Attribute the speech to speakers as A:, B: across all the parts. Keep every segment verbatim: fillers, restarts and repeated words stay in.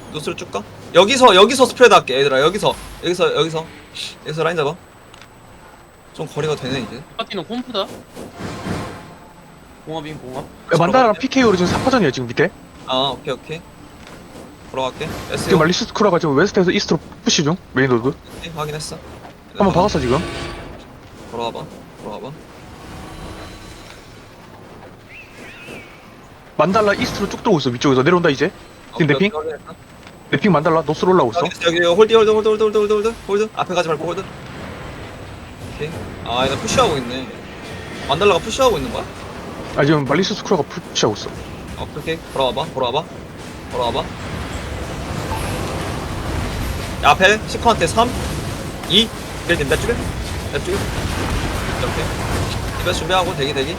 A: 노스로 쭉 가. 여기서 여기서 스프레드 할게 얘들아. 여기서 여기서 여기서 여기서 라인 잡아. 좀 거리가 되네 이제.
B: 파티는 콤프다. 공합인 공합.
C: 야, 만다라랑 피케이오로 지금 삼 파전이야 지금 밑에.
A: 아 오케이 오케이. 걸어갈게. S
C: 지금 말리스 크루가 지금 웨스트에서 이스트로 푸시 중 메인 로드.
A: 확인했어.
C: 한번 박았어 지금.
A: 걸어와봐. 걸어와봐.
C: 만달라 이스트로 쭉 들어오고 있어 위쪽에서 내려온다 이제. 지금
A: 오케이,
C: 내핑?
A: 오케이, 확인했어.
C: 내핑 만달라 노스로 올라오고 있어.
A: 여기 여기 홀드 홀드 홀드 홀드 홀드 홀드 홀드 홀드 앞에 가지 말고 홀드. 오케이. 아 얘네 푸시하고 있네. 만달라가 푸시하고 있는 거야?
C: 아 지금 말리스 크루가 푸시하고 있어.
A: 어, 오케이. 걸어와봐. 걸어와봐. 걸어와봐. 야, 앞에 시커한테 삼, 이, 일 된다 쪽에? 내 쪽에? 이렇게. 이거 준비하고 대기 대기.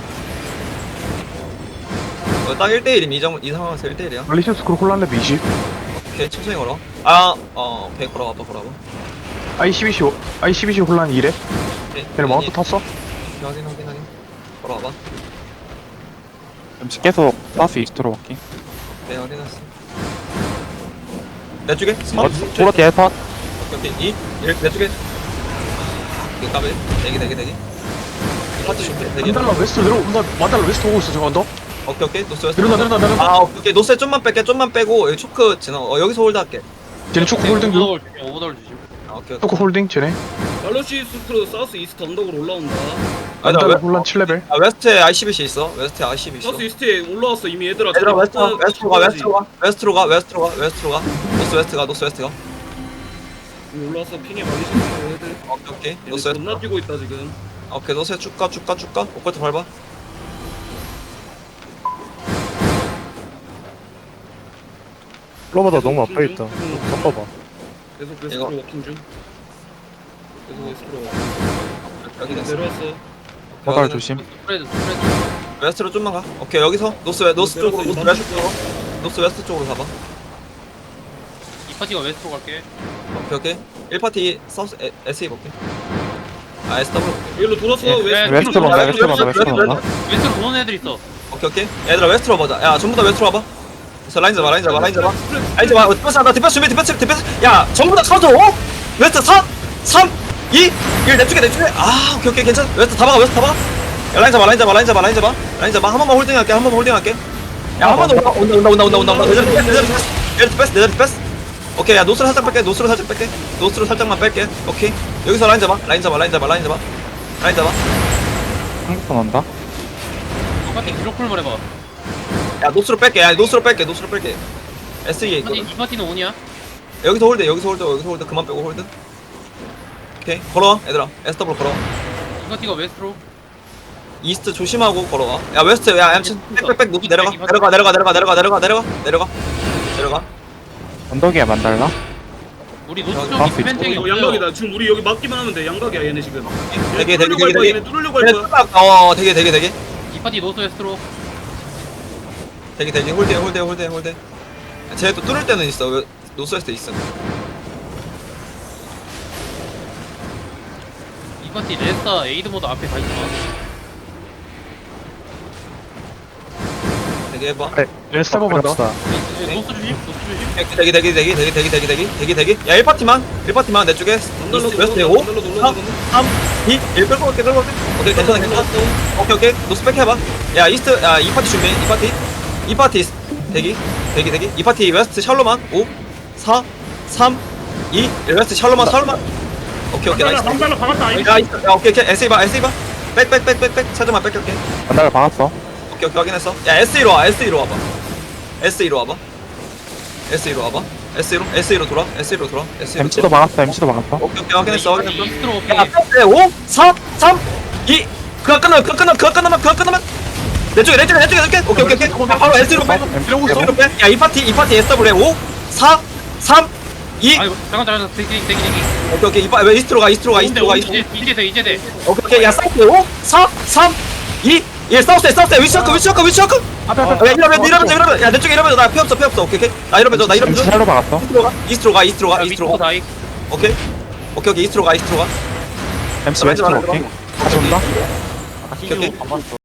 A: 어, 딱 일 대 일임 이, 정, 이 상황에서 일 대 일이야.
C: 말리스 크루 콜란레드 이십.
A: 오케이 천천히 걸어. 아, 어, 오케이 걸어와봐 걸어와봐.
C: 아이 십이시 아이 십이시 홀란 이래.
A: 오케이.
C: 얘네 마운트 탔어?
A: 확인 확인 확인. 걸어와봐.
D: 엠씨 계속 사우스 이스트로 갈게.
A: 네 확인했어. 내 쪽에?
D: 어, 도로 뒤에 팟.
A: 오케이 이, 일, 내 쪽에. 오케이 까비. 대기 대기 대기. 파트 준비 대기.
C: 만달라 웨스트 내려온다. 만달라 웨스트 오고 있어 지금 언더.
A: 오케이 오케이 노스 웨스트.
C: 내려온다 내려온다 내려온다.
A: 아 오케이 노스에 좀만 뺄게 좀만 빼고 여기 초크 지나 어 여기서 홀드 할게.
C: 쟤네 초코 홀딩 중.
B: 오버돌 주심. 오버돌 주심.
A: 아 오케이 오케이.
C: 초코 홀딩 쟤네.
E: 말로시 스크로 사우스 이스트 언덕으로 올라온다.
A: 아, 나
C: 만달라
A: 웨-
C: 홀란 칠 레벨.
A: 아 웨스트에 아이씨비씨 있어. 웨스트에 아이씨비씨 있어.
E: 사우스 이스트에 올라왔어 이미 얘들아.
A: 얘들아 웨스트 가,
E: 어,
A: 웨스트로 가 웨스트로 가 웨스트로 가 웨스트로 가 웨스트로 가 노스 웨스트 가 노스 웨스트 가.
E: 올라왔어 핑에 말리시 스크로 애들.
A: 오케이 오케이
E: 얘들
A: 노스 웨스트.
E: 겁나 뛰고 있다 지금.
A: 오케이 노스 웨스트 쭉가 쭉가 쭉가. 오컬트 밟아.
F: 플로마다 너무 앞에 있다. 섞어봐.
E: 계속
A: 이거.
E: 웨스트로 워킹 중. 계속 웨스트로 워킹.
A: 여기
E: 중.
A: 됐어.
E: 내려왔어.
D: 바닥 조심.
B: 스프레드 스프레드.
A: 웨스트로 좀만 가. 오케이 여기서 노스 웨 노스 쪽으로 노스
E: 내려왔어,
A: 웨스트 쪽으로 노스 웨스트 쪽으로 가봐.
B: 이 파티가 웨스트로 갈게.
A: 오케이 오케이. 일 파티 사우스 에- 에스이 볼게. 아 에스더블 볼게.
E: 여기로 돌았어.
D: 예,
E: 웨스트.
D: 웨스트로 온다, 웨스트로 온다, 웨스트로 온다.
B: 웨스트로 도는 애들 있어.
A: 오케이 오케이. 얘들아 웨스트로 보자. 야 전부 다 웨스트로 와봐. 그래서 라인 잡아 라인 잡아 라인 잡아. 라인 잡아. 어, 디펜스 한다. 디펜스 준비 디펜스 디펜스. 야 전부 다 카운터 오. 웨스트 사, 삼, 이, 일 내 쪽에 내 쪽에. 아 오케이 오케이 괜찮아. 웨스트 다 박아 웨스트 다 박아. 야 라인 잡아 라인 잡아 라인 잡아 라인 잡아 라인 잡아. 한 번만 홀딩할게 한 번만 홀딩할게. 야 한 번 더 온다 온다 온다 온다 온다 온다. 내자리 디펜스 내자리 디펜스 내자리 디펜스 내자리 디펜스. 오케이 야 노스로 살짝 뺄게 노스로 살짝 뺄게 노스로 살짝만 뺄게. 오케이 여기서 라인 잡아 라인 잡아 라인 잡아 라인 잡아 라인 잡아.
D: 한국선 온다.
B: 이 파티 기록풀만 해봐.
A: 야 노스로 뺄게 야 노스로 뺄게 노스로 뺄게. 에스이에
B: 이 파티
A: 있거든.
B: 이 파티는 온이야.
A: 여기서 홀드 여기서 홀드 여기서 홀드 그만 빼고 홀드. 오케이 걸어와 얘들아 에스더블 걸어와.
B: 이 파티가 웨스트로.
A: 이스트 조심하고 걸어와. 야 웨스트 야 얌친 빽빽빽 높이 내려가 내려가 내려가 내려가 내려가 내려가 내려가 내려가 내려가.
D: 언덕이야 만달라.
B: 우리 노스
A: 아,
B: 쪽이 디펜팅이
E: 이거
B: 없어요.
E: 양각이다. 지금 우리 여기 막기만 하면 돼. 양각이야 얘네 지금.
A: 되게 되게
E: 뚫으려고 할
A: 되게
E: 거야.
A: 되게
E: 얘네 뚫으려고 할 거야.
A: 어 되게 되게 되게
B: 이 파티 노스 웨스트로.
A: 되게 되게 홀드 홀드 홀드 홀드. 쟤또 뚫을 때는 있어. 왜 노스웨스트 있어.
B: 이 파티 레스타 에이드 모드 앞에 다 있어.
A: 되게 해봐.
C: 웨스트 한번 간다.
D: 그럽시다.
B: 이- 이- 노스 주심 노스 주심.
A: 되게 되게 되게 되게 되게 되게 되게 되게 되게. 야 일 파티만 일 파티만 내 쪽에
E: 날로
A: 웨스트에
E: 놀러
A: 오,
E: 놀러 놀러
A: 삼, 삼, 이, 일 끌고 갈게 끌고 갈게. 오케이 괜찮아 괜찮아. 오케이 오케이 노스 백 해봐. 야 이스트 야 이 파티 준비 이 파티 이 파티 대기 대기 대기 이 파티 웨스트 샬로만 오, 사, 삼, 이, 일 웨스트 샬로만 샬로만. 오케이 오케이 나이스.
E: 방달로 박았다.
A: 야 이스트 야 오케이 오케이 에스이 봐 에스이 봐. 백백백백백 차좀만 뺏길게.
D: 만달라 박았어.
A: 오케이 오케이 확인했어. 야 에스이로 와 에스이로 와봐. 에스이로 와봐. 에스이로 와봐. 에스이로 에스이로 돌아 에스이로 돌아 에스이로.
D: 엠씨도 박았어. 엠씨도 박았어.
A: 오케이 오케이 확인했어 확인했어.
B: 이스트로
A: 야,
B: 오케이.
A: 오, 사, 삼, 이. 그거 끝나면, 그거 끝나면, 그거 끝나면, 그거 끝나면. 내 쪽에, 내 쪽에, 내 쪽에, 내 쪽에. 오케이, 오케이, 오케이. 야, 바로 S로 빼. S로 빼. 야, 이 파티, 이 파티 에스더블유에 오, 사, 삼, 이.
B: 아이고 잠깐 잠깐 대기 대기 대기.
A: 오케이, 오케이. 이 파, 왜 이스트로 가, 이스트로 가, 이스트로 가, 이스트로.
B: 이제 이제 돼 이제 돼.
A: 오케이, 오케이. 야, 사우스에 오, 사, 삼, 이. 일 사우스에, 사우스에. 위치워크, 위치워크, 위치워크. 야, 이러면, 이러면, 이러면. 야, 내 쪽에 이러면, 나 피 없어, 피 없어. 오케이, 오케이. 나 이러면, 나 이러면.
D: 엠씨 샬로 박았어.
A: 이스트로 가, 이스트로 가, 이스트로 가,
B: 야,
A: 이스트로
B: 위쪽
A: 가.
B: 다이.
A: 오케이. 오케이, 오케이. 이스트로 가, 이스트로 가.
D: 엠씨 웨스트로 오케이. 다시 온다.
A: 오케이, 오케이.